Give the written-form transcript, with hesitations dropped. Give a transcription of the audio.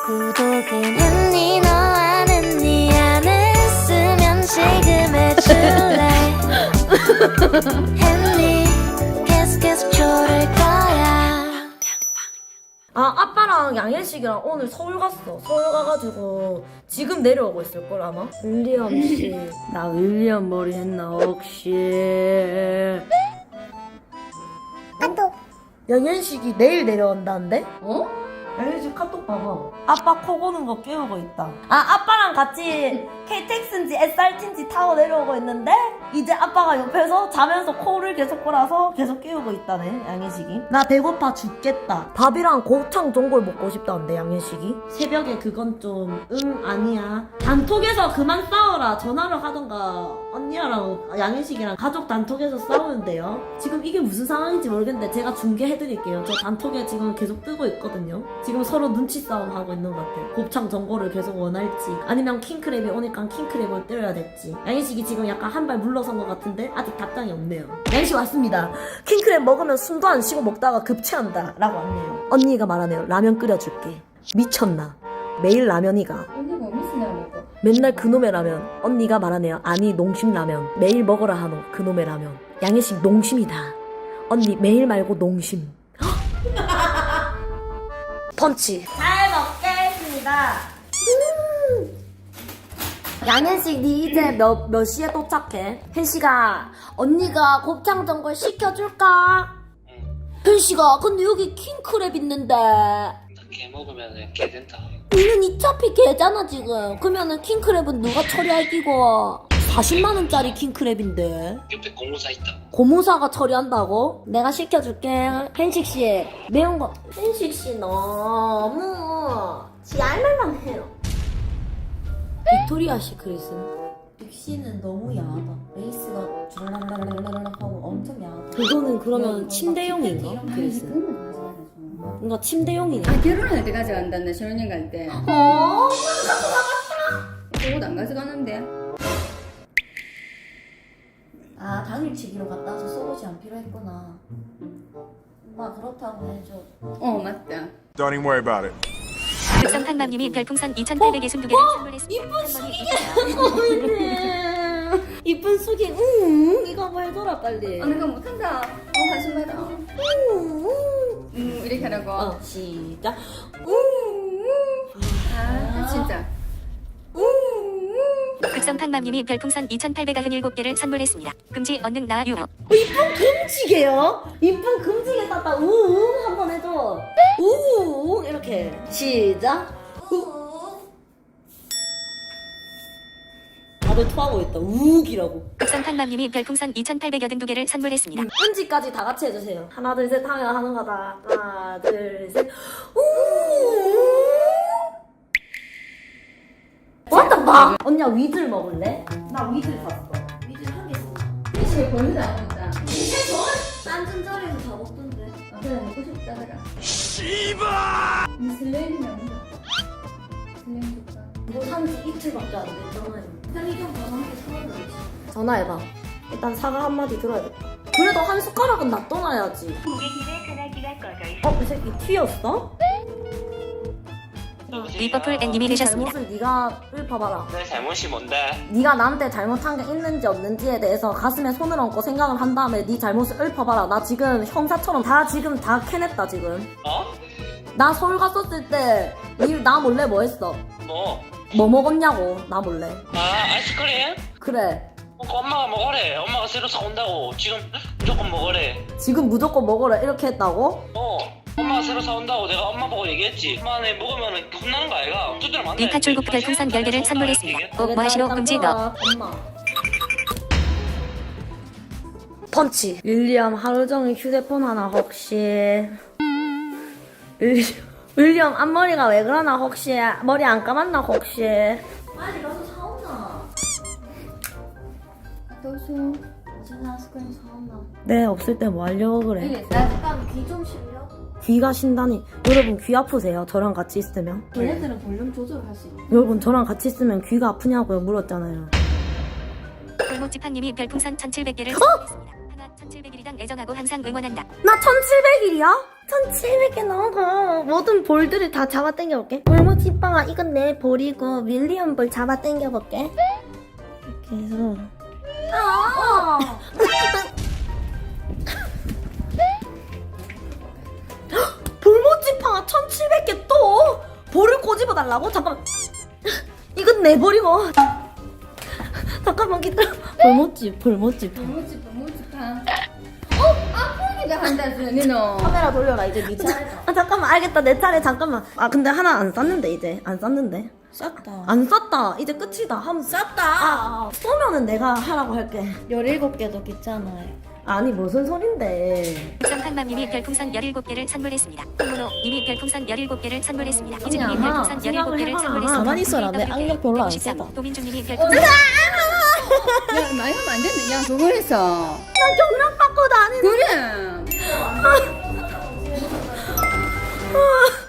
구독은 했니 너 안 했니 안 했으면 지금 해줄래 했니 계속 조를 거야. 아, 아빠랑 양현식이랑 오늘 서울 갔어. 서울 가가지고 지금 내려오고 있을걸 아마? 윌리엄 씨, 나 윌리엄 머리 했나 혹시? 카톡. 양현식이 내일 내려온다는데? 어? 양현식 카톡 봐봐. 아빠 코 고는 거 깨우고 있다. 아, 아빠랑 같이 KTX인지 SRT인지 타고 내려오고 있는데 이제 아빠가 옆에서 자면서 코를 계속 골아서 계속 깨우고 있다네, 양현식이. 나 배고파 죽겠다. 밥이랑 곱창 전골 먹고 싶다는데, 양현식이. 새벽에 그건 좀 아니야. 단톡에서 그만 싸워라. 전화를 하던가 언니랑 양현식이랑 가족 단톡에서 싸우는데요. 지금 이게 무슨 상황인지 모르겠는데 제가 중계해드릴게요. 저 단톡에 지금 계속 뜨고 있거든요. 지금 서로 눈치 싸움 하고 있는 것 같아요. 곱창 전골을 계속 원할지 아니면 킹크랩이 오니까 킹크랩을 때려야 될지. 양현식이 지금 약간 한 발 물러선 것 같은데 아직 답장이 없네요. 양현식 왔습니다. 킹크랩 먹으면 숨도 안 쉬고 먹다가 급체한다 라고 왔네요. 언니가 말하네요. 라면 끓여줄게. 미쳤나? 매일 라면이가. 언니가 무슨 날 먹어? 맨날 그놈의 라면. 언니가 말하네요. 아니 농심 라면. 매일 먹어라 하노 그놈의 라면. 양현식 농심이다. 언니 매일 말고 농심. 펀치. 잘 먹겠습니다. 양현식 니 이제 몇 시에 도착해? 혜식아, 언니가 곱창 전골 시켜줄까? 혜식아, 근데 여기 킹크랩 있는데 개 먹으면 개 된다. 니는 어차피 개잖아 지금. 그러면은 킹크랩은 누가 처리할 끼고? 40만원짜리 킹크랩인데 옆에 공무사 있다. 고무사가 처리한다고? 내가 시켜줄게. hen식씨 매운 거. hen식씨 너무 지 알말만 해요. 빅토리아 시크릿은 빅씨는 너무 야하다. 레이스가 주랄랄랄랄랄 하고 엄청 야하다. 그거는 그러면 침대용인가? 그랬음. 뭔가 침대용이네. 아, 결혼할 때 가져간다네. 신혼여행 갈 때. 어? 옷 안 가져가는데. 아, 당일치기로 갔다 와서 속옷이 안 필요했구나. 엄마 그렇다고 해줘. 어, 맞다. Don't even worry about it. 육성한맘님이 별풍선 2,862개를 선물했습니다. 이쁜 숙이게. 이쁜 숙이. 이거 한번 해줘라 빨리. 아, 내가 못한다. 다시 말아. 이렇게 하라고. 시작. 아, 진짜. 극성팡맘님이 별풍선 2,897개를 선물했습니다. 금지 언능 나 유머. 이쁜 금지개요? 이쁜 금지개 땄다. 우웅 한번 해줘. 우웅 이렇게. 시작. 다들 토하고 있다. 우욱이라고. 극성팡맘님이 별풍선 2,882개를 선물했습니다. 은지까지 다 같이 해주세요. 하나 둘 셋 하면 하는 거다. 하나 둘 셋. 우웅. What the fuck? 언니야 위즐 먹을래? 나 위즐 샀어. 위즐 한 개 샀어. 혹시 벌써 안 먹다. 딴 자리에서 다 먹던데. 아, 그래, 먹고 싶다더라. 씨발! 니 슬레임이나 먹어. 슬레임 줄까? 뭐 산지 이틀밖에 안 됐잖아요. 편의점 가서 한 개 사와야지. 전화해봐. 일단 사과 한마디 들어야겠다. 그래도 한 숟가락은 놔둬놔야지. 이 새끼 튀었어? 리버풀 앤님이 되셨습니다. 잘못을 네가 읊어봐라. 내 잘못이 뭔데? 네가 나한테 잘못한 게 있는지 없는지에 대해서 가슴에 손을 얹고 생각을 한 다음에 네 잘못을 읊어봐라. 나 지금 형사처럼 지금 다 캐냈다 지금. 어? 나 서울 갔었을 때 나 몰래 뭐 했어? 뭐 먹었냐고 나 몰래. 아, 아이스크림? 그래. 엄마가 먹으래. 엄마가 새로 사온다고. 지금 무조건 먹으래. 지금 무조건 먹어라 이렇게 했다고? 엄마가 새로 사온다고 내가 엄마 보고 얘기했지. 엄마 내 먹으면 혼나는 거 아이가? 두드려 맞네. 리카출국 별풍선 10개를 선물했습니다. 뭐 하시노 일단 금지 들어와, 너. 엄마. 펀치. 윌리엄 하루 종일 휴대폰 하나 혹시. 윌리엄 앞머리가 왜 그러나 혹시. 머리 안 감았나 혹시. 빨리 가서 사온나. 또수 어제 아이스크림 사온나. 네 없을 때 뭐 하려고 그래. 나 잠깐 귀 좀 실려. 귀가 신다니. 여러분 귀 아프세요? 저랑 같이 있으면? 얘네들은 볼륨 조절할 수 있어. 여러분 저랑 같이 있으면 귀가 아프냐고요 물었잖아요. 골목지팡님이 별풍선 1,700개를 선물했습니다. 하나 1700일이당 애정하고 항상 응원한다. 나 1700일이야? 1700개 넘어. 모든 볼들을 다 잡아 당겨볼게. 골무지빵아 이건 내 볼이고 윌리엄 볼 잡아 당겨볼게. 이렇게 해서 볼모지빵아 1700개 또 볼을 꼬집어달라고? 잠깐만. 이건 내 볼이고. 잠깐만 기다려. 볼모지빵. 너무지파. 아프기도 한다, 니는. 카메라 돌려라 이제 네 차례. 아 잠깐만 알겠다 내 차례 잠깐만. 아 근데 하나 안 쌌는데 이제 안 쌌는데. 쌌다. 안 쌌다 이제 끝이다. 하면 쌌다. 쏘면은 내가 하라고 할게. 17개도 괜찮아요. 아니 무슨 소린데. 쌍팡맘님이 별풍선 17개를 선물했습니다. 홍문호님이 별풍선 17개를 선물했습니다. 이준님이 아마 별풍선 생각을 17개를 해봐라. 선물했습니다. 가만히 있어라. 내 악력 별로 안 153. 세다. 도민준님이 별풍선 야, 많이 하면 안 된다. 야, 그거 했어. 난 경락 받고 다니는. 그래.